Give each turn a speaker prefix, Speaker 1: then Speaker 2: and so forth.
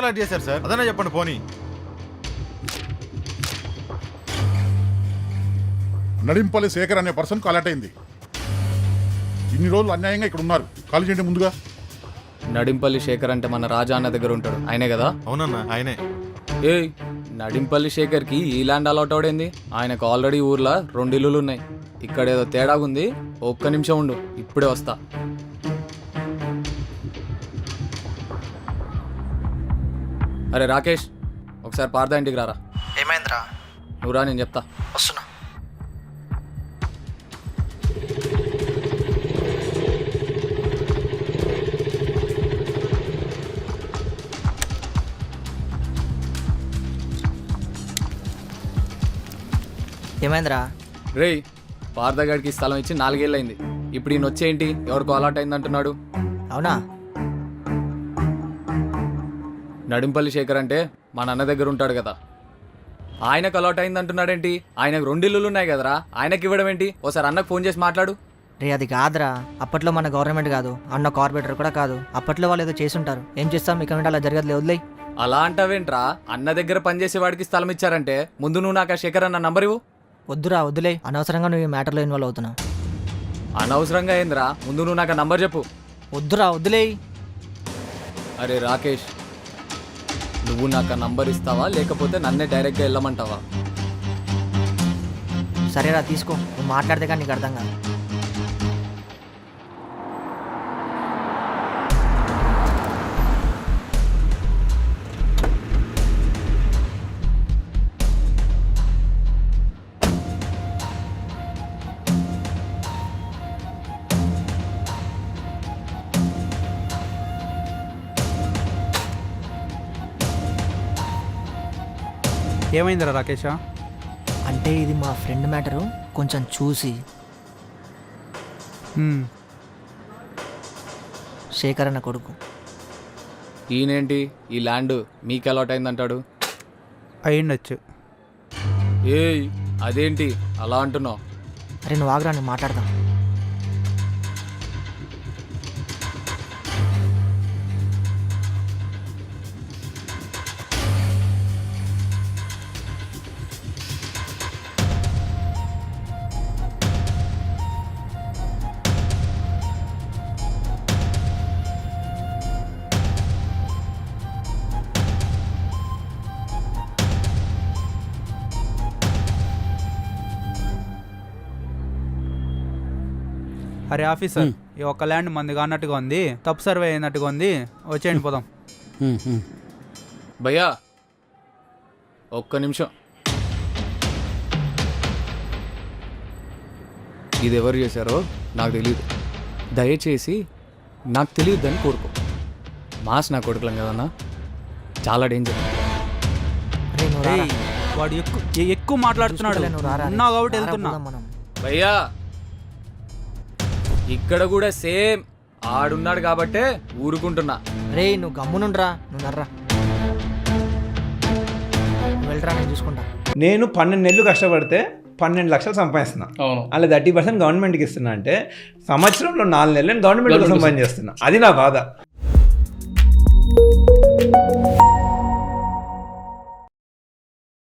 Speaker 1: Alert చేశారు sir, అదన్నా చెప్పండి పోనీ.
Speaker 2: నడింపల్లి శేఖర్ అనే పర్సన్కు అలర్ట్ అయింది. ఇన్ని రోజులు అన్యాయంగా ఇక్కడ ఉన్నారు, ఖాళీ చేయండి ముందుగా.
Speaker 3: నడింపల్లి శేఖర్ అంటే మన రాజా అన్న దగ్గర ఉంటాడు, ఆయనే కదా?
Speaker 1: అవునన్నా ఆయనే.
Speaker 3: ఏయ్, నడింపల్లి శేఖర్కి ఈ ల్యాండ్ అలాట్ అవడేంది? ఆయనకు ఆల్రెడీ ఊర్లో 2 ఇల్లులు ఉన్నాయి. ఇక్కడ ఏదో తేడాగుంది, ఒక్క నిమిషం ఉండు, ఇప్పుడే వస్తా. అరే రాకేష్, ఒకసారి పార్థ ఇంటికి రారా.
Speaker 4: ఏమైందిరా?
Speaker 3: నువ్వురా, నేను చెప్తా.
Speaker 4: వస్తున్నా. ఏమైందిరా?
Speaker 3: రేయ్, పార్థగాడికి స్థలం ఇచ్చి 4 ఏళ్ళు అయింది. ఇప్పుడు ఈయన వచ్చేంటి ఎవరికో అలాట్ అయింది అంటున్నాడు.
Speaker 4: అవునా?
Speaker 3: నడింపల్లి శేఖర్ అంటే మా నాన్న దగ్గర ఉంటాడు కదా, ఆయనకు అలాట్ అయింది అంటున్నాడేంటి? ఆయనకు 2 ఇల్లులు ఉన్నాయి కదరా, ఆయనకి ఇవ్వడం ఏంటి? ఓసారి అన్నకు ఫోన్ చేసి మాట్లాడు.
Speaker 4: రే అది కాదురా, అప్పట్లో మన గవర్నమెంట్ కాదు, అన్న కార్పొరేటర్ కూడా కాదు. అప్పట్లో వాళ్ళు ఏదో చేసి ఉంటారు. ఏం చేస్తాం, ఇక అలా జరగదులే, వదిలేయి.
Speaker 3: అలా అంటావేంట్రా? అన్న దగ్గర పనిచేసే వాడికి స్థలం ఇచ్చారంటే ముందు నువ్వు నాకు ఆ శేఖర్ అన్న నంబర్ ఇవ్వు.
Speaker 4: వద్దురా, వదిలే. అనవసరంగా నువ్వు ఈ మ్యాటర్లో ఇన్వాల్వ్ అవుతున్నావు.
Speaker 3: అనవసరంగా ఏందిరా? ముందు నువ్వు నాకు ఆ నంబర్ చెప్పు.
Speaker 4: వద్దురా, వదిలేయి.
Speaker 3: అరే రాకేష్, నువ్వు నాకు ఆ నంబర్ ఇస్తావా లేకపోతే నన్నే డైరెక్ట్గా వెళ్ళమంటావా?
Speaker 4: సరేరా, తీసుకో. నువ్వు మాట్లాడితే కానీ నీకు అర్థం కాదు.
Speaker 5: ఏమైందిరా రాకేషా?
Speaker 4: అంటే ఇది మా ఫ్రెండ్ మ్యాటరు, కొంచెం చూసి. శేఖర్ అన్న కొడుకు.
Speaker 3: ఈయనేంటి ఈ ల్యాండ్ మీకు అలాట్ అయిందంటాడు?
Speaker 5: అయ్యిండొచ్చు.
Speaker 3: ఏయ్, అదేంటి అలా అంటున్నావు?
Speaker 4: అరే నువ్వు ఆగ్రా, నేను మాట్లాడదాం.
Speaker 5: అరే ఆఫీసర్, ఈ ఒక్క ల్యాండ్ మందిగా అన్నట్టుగా ఉంది, తప్పు సర్వే అయినట్టుగా ఉంది, వచ్చేయండి పోదాం.
Speaker 3: భయ్యా ఒక్క నిమిషం. ఇది ఎవరు చేశారో నాకు తెలియదు, దయచేసి నాకు తెలియద్దని కోరుకో. మాస్ నా కొడుకులం కదన్నా, చాలా డేంజర్.
Speaker 4: అరే నువ్వు రారా.
Speaker 5: వాడు ఎక్కువ మాట్లాడుతున్నాడు.
Speaker 4: నువ్వు రారా.
Speaker 5: ఉన్నా కాబట్టి వెళ్తున్నా.
Speaker 4: మనం
Speaker 3: భయ్యా ఇక్కడ కూడా సేమ్ ఆడున్నాడు కాబట్టే ఊరుకుంటున్నా.
Speaker 4: రే నువ్వు గమ్మునుండ్రా, నువ్వు నర్రా. వెళ్ళరా, నేను చూసుకుంటా.
Speaker 6: నేను 12 నెలలు కష్టపడితే 12 లక్షలు సంపాదిస్తున్నా. అలా 30% గవర్నమెంట్కి ఇస్తున్నా అంటే సంవత్సరంలో 4 నెలలు నేను గవర్నమెంట్ కోసం పని చేస్తున్నా. అది నా బాధ.